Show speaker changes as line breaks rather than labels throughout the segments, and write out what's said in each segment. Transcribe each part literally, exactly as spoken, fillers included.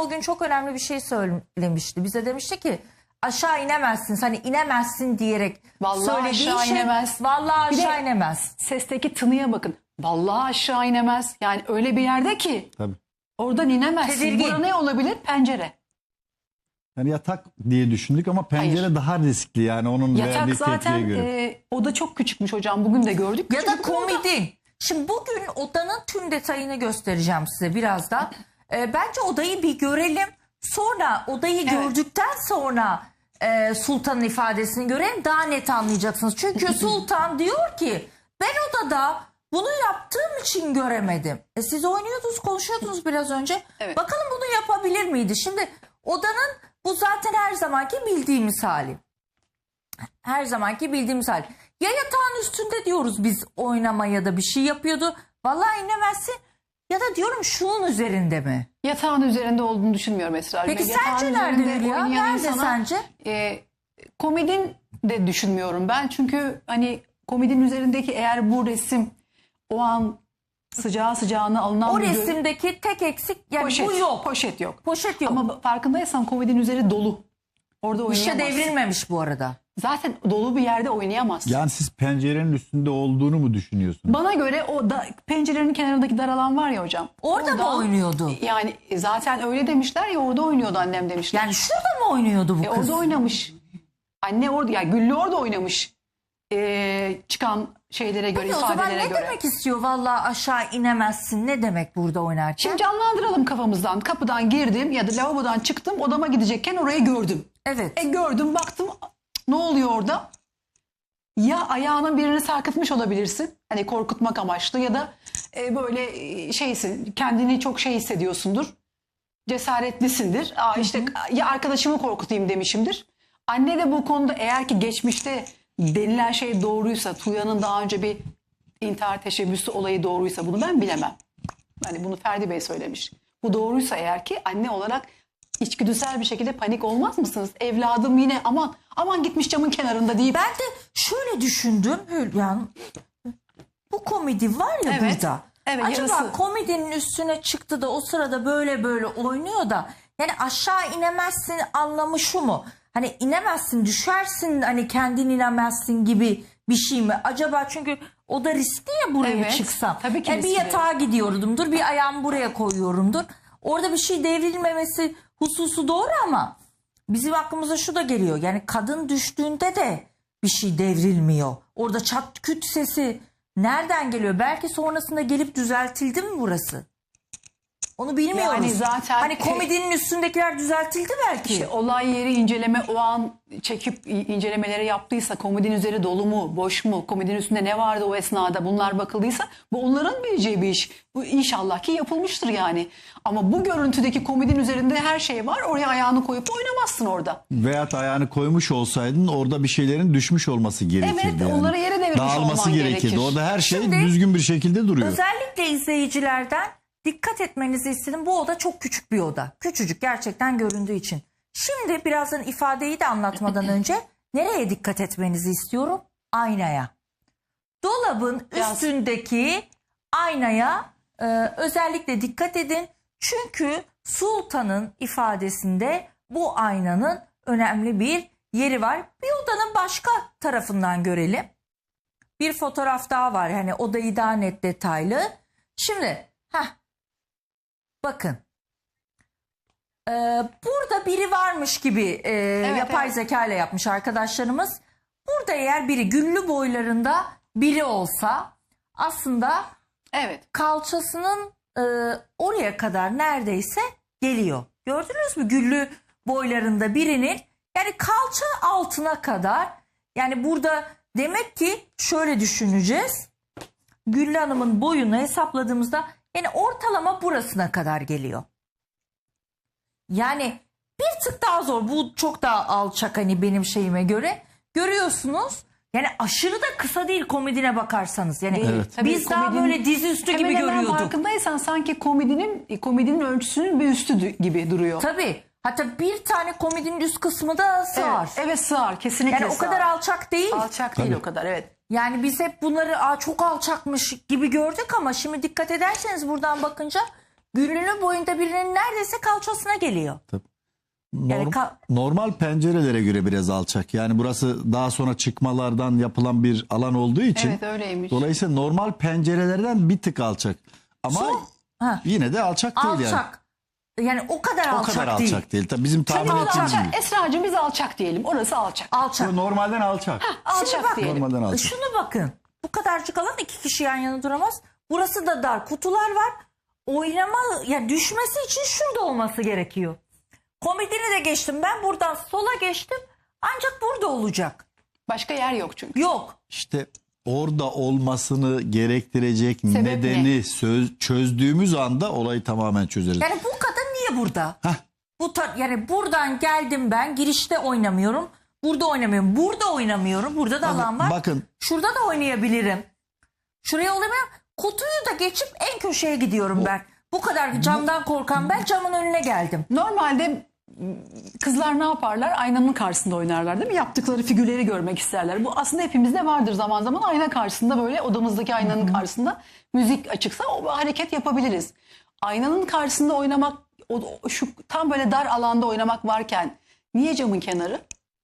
o gün çok önemli bir şey söylemişti. Bize demişti ki aşağı inemezsin. Hani inemezsin diyerek
Vallahi
söylediği
aşağı
şey
inemez.
vallahi
Bir de
aşağı inemez.
Sesteki tınıya bakın. Vallahi aşağı inemez. Yani öyle bir yerde ki
Tabii.
oradan inemezsin.
Tedirgin.
Burada ne olabilir? Pencere.
Yani yatak diye düşündük ama pencere
Hayır.
daha riskli yani onun
Yatak
verdiği tepkiye
zaten
göre.
e, oda çok küçükmüş hocam. Bugün de gördük.
Ya da
Küçücük bir oda.
komodin. Şimdi bugün odanın tüm detayını göstereceğim size birazdan. Ee, bence odayı bir görelim. Sonra odayı
Evet.
gördükten sonra e, Sultan'ın ifadesini görelim. Daha net anlayacaksınız. Çünkü Sultan diyor ki ben odada bunu yaptığım için göremedim. E siz oynuyordunuz, konuşuyordunuz biraz önce.
Evet.
Bakalım bunu yapabilir miydi? Şimdi odanın bu zaten her zamanki bildiğimiz hali. Her zamanki bildiğimiz hali. Ya yatağın üstünde diyoruz biz oynama ya da bir şey yapıyordu. Vallahi inemezsin. Ya da diyorum şunun üzerinde mi?
Yatağın üzerinde olduğunu düşünmüyorum Esra.
Peki
Yatağın
sence nerede
üzerinde
Hülya?
oynayan
Nerede
insana,
sence?
E, komedin de düşünmüyorum ben. Çünkü hani komedinin üzerindeki eğer bu resim o an sıcağı sıcağına alınan
O
bir gö-
resimdeki tek eksik yani
poşet,
bu yok.
Poşet yok.
Poşet yok.
Ama farkındaysan komedinin üzeri dolu. Orada
Bir şey
oynayamaz.
devrilmemiş bu arada.
Zaten dolu bir yerde oynayamaz.
Yani siz pencerenin üstünde olduğunu mu düşünüyorsunuz?
Bana göre o da, pencerenin kenarındaki dar alan var ya hocam.
Orada mı
Oradan-
oynuyordu?
Yani zaten öyle demişler ya orada oynuyordu annem demişler.
Yani şurada mı oynuyordu bu
E,
kız?
orada oynamış. Anne orada yani Güllü orada oynamış. E, çıkan şeylere göre,
Peki o zaman
ifadelere
ne
göre.
demek istiyor? Vallahi aşağı inemezsin. Ne demek burada oynarken?
Şimdi canlandıralım kafamızdan. Kapıdan girdim ya da lavabodan çıktım odama gidecekken orayı gördüm.
Evet.
E gördüm baktım ne oluyor orada? Ya ayağının birini sarkıtmış olabilirsin. Hani korkutmak amaçlı ya da e, böyle e, şeysin kendini çok şey hissediyorsundur. Cesaretlisindir. Aa işte ya arkadaşımı korkutayım demişimdir. Anne de bu konuda eğer ki geçmişte denilen şey doğruysa Tuya'nın daha önce bir intihar teşebbüsü olayı doğruysa bunu ben bilemem. Hani bunu Ferdi Bey söylemiş. Bu doğruysa eğer ki anne olarak içgüdüsel bir şekilde panik olmaz mısınız? Evladım yine aman aman gitmiş camın kenarında deyip.
Ben de şöyle düşündüm Hülya. Bu komedi var ya
Evet.
burada.
Evet,
Acaba
yarısı.
komedinin üstüne çıktı da o sırada böyle böyle oynuyor da yani aşağı inemezsin anlamı şu mu? Hani inemezsin düşersin hani kendin inemezsin gibi bir şey mi? Acaba çünkü o da riskli ya buraya
Evet,
çıksam.
tabii ki
Yani bir
riskli.
yatağa gidiyorumdur bir ayağımı buraya koyuyorumdur. Orada bir şey devrilmemesi hususu doğru ama bizim aklımıza şu da geliyor. Yani kadın düştüğünde de bir şey devrilmiyor. Orada çat küt sesi nereden geliyor? Belki sonrasında gelip düzeltildi mi burası? Onu bilmiyoruz.
Yani zaten-
hani komedinin üstündekiler düzeltildi belki.
İşte olay yeri inceleme o an çekip incelemeleri yaptıysa komedinin üzeri dolu mu boş mu komedinin üstünde ne vardı o esnada bunlar bakıldıysa bu onların bileceği bir iş. Bu inşallah ki yapılmıştır yani. Ama bu görüntüdeki komedinin üzerinde her şey var oraya ayağını koyup oynamazsın orada.
Veyahut ayağını koymuş olsaydın orada bir şeylerin düşmüş olması gerekirdi.
Evet,
yani.
onları yere devirmiş
Dağılması
olman
gerekirdi.
gerekir.
Orada her şey
Şimdi-
düzgün bir şekilde duruyor.
Özellikle izleyicilerden dikkat etmenizi istedim. Bu oda çok küçük bir oda. Küçücük gerçekten göründüğü için. Şimdi birazdan ifadeyi de anlatmadan önce nereye dikkat etmenizi istiyorum? Aynaya. Dolabın
Biraz-
üstündeki aynaya e, özellikle dikkat edin. Çünkü Sultan'ın ifadesinde bu aynanın önemli bir yeri var. Bir odanın başka tarafından görelim. Bir fotoğraf daha var. Hani odayı daha net detaylı. Şimdi heh, bakın. Ee, burada biri varmış gibi e, yapay
evet.
zeka ile yapmış arkadaşlarımız. Burada eğer biri güllü boylarında biri olsa aslında
Evet.
kalçasının e, oraya kadar neredeyse geliyor. Gördünüz mü güllü boylarında birinin yani kalça altına kadar yani burada demek ki şöyle düşüneceğiz. Güllü Hanım'ın boyunu hesapladığımızda yani ortalama burasına kadar geliyor. Yani bir tık daha zor. Bu çok daha alçak hani benim şeyime göre. Görüyorsunuz. Yani aşırı da kısa değil komedine bakarsanız. Yani
Evet.
Tabii
biz daha
komedinin-
böyle dizüstü
Hemen
gibi
hemen
görüyorduk.
farkındaysan sanki komedinin komedinin ölçüsünün bir üstü dü- gibi duruyor.
Tabii. Hatta bir tane komedinin üst kısmı da sığar.
Evet, evet sığar kesinlikle
Yani o
sığar.
kadar alçak değil.
alçak değil
Tabii.
o kadar evet.
Yani biz hep bunları Aa, çok alçakmış gibi gördük ama şimdi dikkat ederseniz buradan bakınca Güllünün boyunda birinin neredeyse kalçasına geliyor.
Norm-
Yani ka-
normal pencerelere göre biraz alçak. Yani burası daha sonra çıkmalardan yapılan bir alan olduğu için.
Evet, öyleymiş.
Dolayısıyla normal pencerelerden bir tık alçak. Ama
Su- ha.
yine de alçak değil yani.
Alçak. Yani o kadar
O
alçak
kadar
değil.
alçak değil. Tabii bizim tahmin
Hadi biz
ettiğimiz
alçak.
gibi.
Esra'cığım biz alçak diyelim. Orası alçak.
Alçak.
Normalden alçak.
Alçak
bak-
diyelim.
Normalden alçak.
Şunu bakın. Bu kadarcık alan iki kişi yan yana duramaz. Burası da dar. Kutular var. Oynama, yani düşmesi için şurada olması gerekiyor. Komodini de geçtim. Ben buradan sola geçtim. Ancak burada olacak.
Başka yer yok çünkü.
Yok.
İşte orada olmasını gerektirecek
Sebep
nedeni söz, çözdüğümüz anda olayı tamamen çözeriz.
Yani bu kadın niye burada?
Heh.
Bu ta- yani buradan geldim ben. Girişte oynamıyorum. Burada oynamıyorum. Burada oynamıyorum. Burada da alan var.
Bakın
Şurada da oynayabilirim. Şuraya oynamıyorum. Kutuyu da geçip en köşeye gidiyorum ben. Bu kadar camdan korkan ben camın önüne geldim.
Normalde m, kızlar ne yaparlar? Aynanın karşısında oynarlar değil mi? Yaptıkları figürleri görmek isterler. Bu aslında hepimizde vardır zaman zaman. Ayna karşısında böyle odamızdaki aynanın karşısında müzik açıksa o hareket yapabiliriz. Aynanın karşısında oynamak, o, o- şu tam böyle dar alanda oynamak varken niye camın kenarı?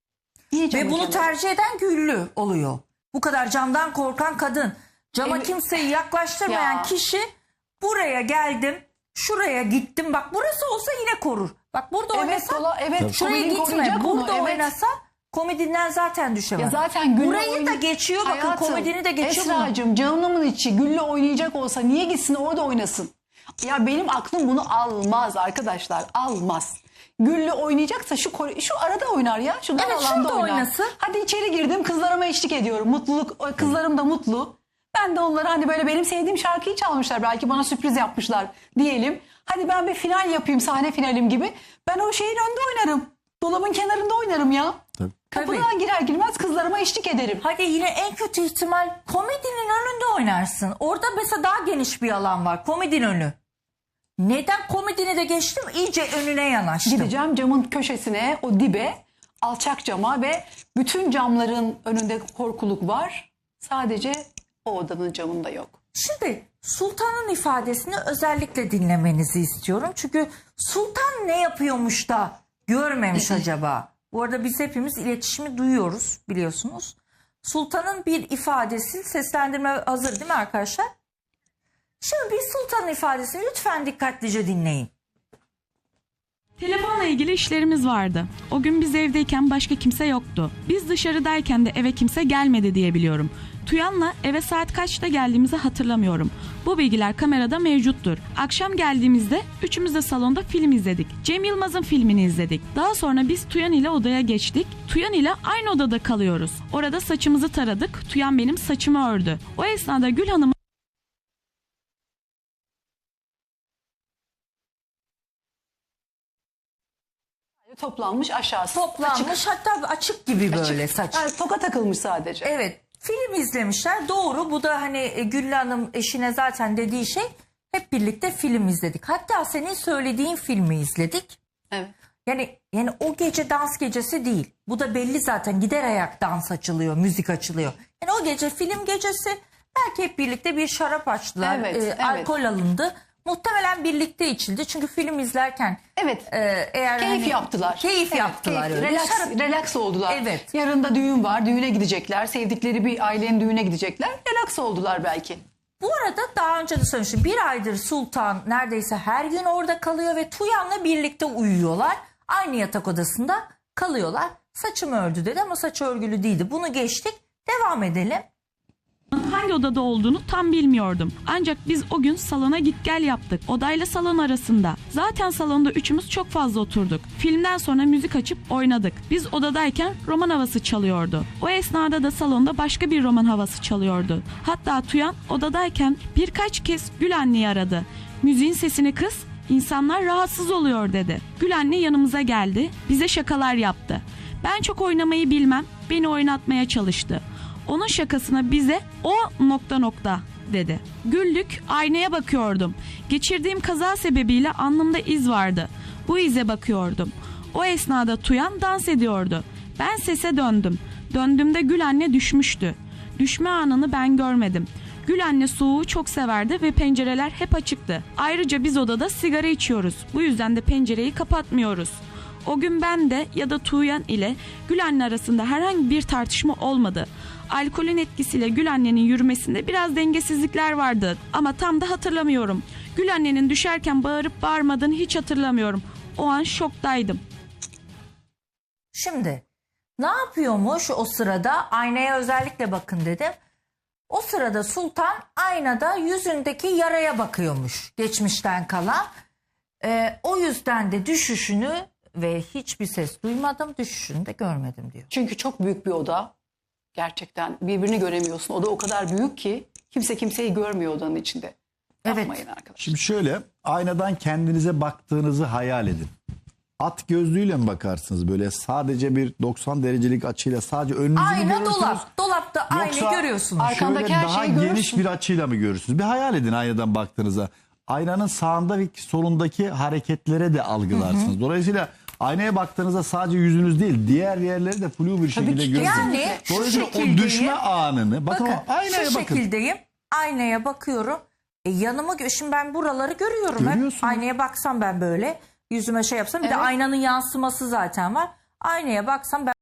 Niye camın
Ve bunu
kenarı?
tercih eden Güllü oluyor. Bu kadar camdan korkan kadın. Cama
Evet.
kimseyi yaklaştırmayan
Ya.
kişi buraya geldim. Şuraya gittim. Bak burası olsa yine korur. Bak burada
Evet,
oynasa
kola, evet.
şuraya
komedin
gitme.
koruyacak onu,
Burada
evet.
oynasa komedinden zaten düşemez.
Ya zaten Güllü
Burayı
oyun-
da geçiyor. Bakın
Hayatım,
komedini de geçiyor. bunu.
Esra'cığım canımın içi Güllü oynayacak olsa niye gitsin orada oynasın? Ya benim aklım bunu almaz arkadaşlar, almaz. Güllü oynayacaksa şu kor- şu arada oynar ya. Şu dar
Evet,
alanda
şurada
oynar.
oynasın.
Hadi içeri girdim, kızlarıma eşlik ediyorum. Mutluluk, kızlarım da mutlu. Ben de onlara hani böyle benim sevdiğim şarkıyı çalmışlar. Belki bana sürpriz yapmışlar diyelim. Hadi ben bir final yapayım, sahne finalim gibi. Ben o şeyin önünde oynarım. Dolabın kenarında oynarım ya.
Tabii.
Kapıdan girer girmez kızlarıma eşlik ederim.
Hadi yine en kötü ihtimal komedinin önünde oynarsın. Orada mesela daha geniş bir alan var. Komedinin önü. Neden komedini de geçtim? İyice önüne yanaştım.
Gideceğim camın köşesine, o dibe, alçak cama ve bütün camların önünde korkuluk var. Sadece o odanın camında yok.
Şimdi Sultan'ın ifadesini özellikle dinlemenizi istiyorum. Çünkü Sultan ne yapıyormuş da görmemiş acaba? Bu arada biz hepimiz iletişimi duyuyoruz biliyorsunuz. Sultan'ın bir ifadesi, seslendirme hazır değil mi arkadaşlar? Şimdi bir Sultan'ın ifadesini lütfen dikkatlice dinleyin.
Telefonla ilgili işlerimiz vardı. O gün biz evdeyken başka kimse yoktu. Biz dışarıdayken de eve kimse gelmedi diye biliyorum. Tuyan'la eve saat kaçta geldiğimizi hatırlamıyorum. Bu bilgiler kamerada mevcuttur. Akşam geldiğimizde üçümüz de salonda film izledik. Cem Yılmaz'ın filmini izledik. Daha sonra biz Tuyan ile odaya geçtik. Tuyan ile aynı odada kalıyoruz. Orada saçımızı taradık. Tuyan benim saçımı ördü. O esnada Gül Hanım
Toplanmış aşağısı.
Toplanmış
Açık.
hatta açık gibi böyle
Açık.
saç.
Yani toka takılmış sadece.
Evet, film izlemişler. Doğru. Bu da hani e, Güllü Hanım eşine zaten dediği şey, hep birlikte film izledik. Hatta senin söylediğin filmi izledik.
Evet.
Yani yani o gece dans gecesi değil. Bu da belli zaten. Gider ayak dans açılıyor, müzik açılıyor. Yani o gece film gecesi. Belki hep birlikte bir şarap açtılar.
Evet,
e,
evet.
Alkol alındı. Muhtemelen birlikte içildi. Çünkü film izlerken
Evet.
e, eğer
Keyif
hani-
yaptılar.
Keyif
Evet,
yaptılar
keyif.
öyle.
Relax,
Şarap-
relax oldular.
Evet.
Yarın da düğün var. Düğüne gidecekler. Sevdikleri bir ailenin düğüne gidecekler. Relax oldular belki.
Bu arada daha önce de söylemiştim. Bir aydır Sultan neredeyse her gün orada kalıyor ve Tuyan'la birlikte uyuyorlar. Aynı yatak odasında kalıyorlar. Saçımı ördü dedi ama saçı örgülü değildi. Bunu geçtik. Devam edelim.
hangi odada olduğunu tam bilmiyordum. Ancak biz o gün salona git gel yaptık. Odayla salon arasında. Zaten salonda üçümüz çok fazla oturduk. Filmden sonra müzik açıp oynadık. Biz odadayken roman havası çalıyordu. O esnada da salonda başka bir roman havası çalıyordu. Hatta Tuyan odadayken birkaç kez Gül anneyi aradı. Müziğin sesini kıs, insanlar rahatsız oluyor dedi. Gül anne yanımıza geldi, bize şakalar yaptı. Ben çok oynamayı bilmem, beni oynatmaya çalıştı. Onun şakasına bize o nokta nokta dedi. Güldük, aynaya bakıyordum. Geçirdiğim kaza sebebiyle alnımda iz vardı. Bu ize bakıyordum. O esnada Tuyan dans ediyordu. Ben sese döndüm. Döndüğümde Gül anne düşmüştü. Düşme anını ben görmedim. Gül anne soğuğu çok severdi ve pencereler hep açıktı. Ayrıca biz odada sigara içiyoruz. Bu yüzden de pencereyi kapatmıyoruz. O gün ben de ya da Tuğyan ile Gül anne arasında herhangi bir tartışma olmadı. Alkolün etkisiyle Gül annenin yürümesinde biraz dengesizlikler vardı ama tam da hatırlamıyorum. Gül annenin düşerken bağırıp bağırmadığını hiç hatırlamıyorum. O an şoktaydım.
Şimdi ne yapıyormuş o sırada? Aynaya özellikle bakın dedim. O sırada Sultan aynada yüzündeki yaraya bakıyormuş geçmişten kalan. Ee, o yüzden de düşüşünü ve hiçbir ses duymadım, düşüşünü de görmedim diyor.
Çünkü çok büyük bir oda. Gerçekten birbirini göremiyorsun. Oda o kadar büyük ki kimse kimseyi görmüyor odanın içinde.
Evet.
Yapmayın arkadaşlar.
Şimdi şöyle, aynadan kendinize baktığınızı hayal edin. At gözlüğüyle mi bakarsınız böyle sadece bir doksan derecelik açıyla sadece önünüzü mü
Ayna
görürsünüz?
dolap. Dolapta aynı
Yoksa
görüyorsunuz.
arka- Arkandaki
şöyle
her
daha
şeyi
geniş
görürsün.
bir açıyla mı görürsünüz? Bir hayal edin aynadan baktığınızda. Aynanın sağında ve solundaki hareketlere de algılarsınız. Dolayısıyla aynaya baktığınızda sadece yüzünüz değil, diğer yerleri de flu bir şekilde
ki.
görürsünüz.
Yani şu
Dolayısıyla o
şekildeyim.
düşme anını, bakın,
Bakın
o aynaya
şu
bakın.
şekildeyim. Aynaya bakıyorum. E, yanımı gö- şimdi ben buraları görüyorum hep.
Görüyorsunuz.
Aynaya baksam ben böyle yüzüme şey yapsam bir de
Evet.
aynanın yansıması zaten var. Aynaya baksam ben